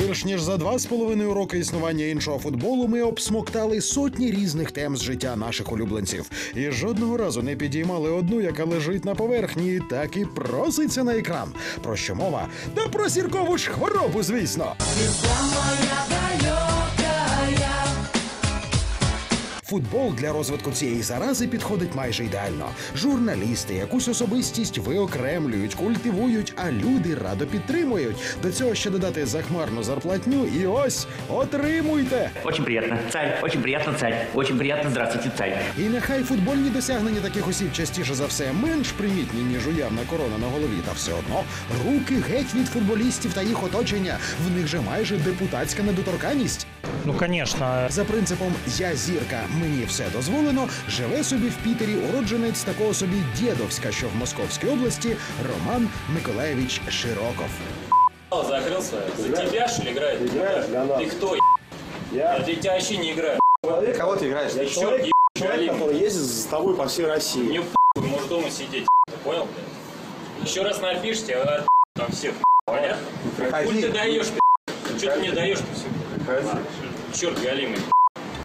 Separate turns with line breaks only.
Більш ніж за 2,5 роки існування іншого футболу ми обсмоктали сотні різних тем з життя наших улюбленців. І жодного разу не підіймали одну, яка лежить на поверхні і так і проситься на екран. Про що мова? Та про зіркову ж хворобу, звісно. Футбол для розвитку цієї зарази підходить майже ідеально. Журналісти якусь особистість виокремлюють, культивують, а люди радо підтримують. До цього ще додати захмарну зарплатню і ось, отримуйте!
Очень приятно, царь, очень приятно, царь, очень приятно, здравствуйте, царь.
І нехай футбольні досягнення таких осіб частіше за все менш примітні, ніж уявна корона на голові, та все одно руки геть від футболістів та їх оточення. В них же майже депутатська недоторканність.
Ну, конечно.
За принципом «я зірка, мені все дозволено» живе собі в Пітері уродженець такого собі Дєдовська, що в Московській області, Роман Миколаєвич Широков.
Закрылся. За тебя, что ли, играет? Ты кто,
Я
тебя вообще не играю.
Кого ты играешь?
Я человек,
который ездит за тобой по всей России.
Мне может дома сидеть, понял? Еще раз напишите, а там всех, понятно? Хуй ты даешь, что ты мне даешь-то все? Черт галимый.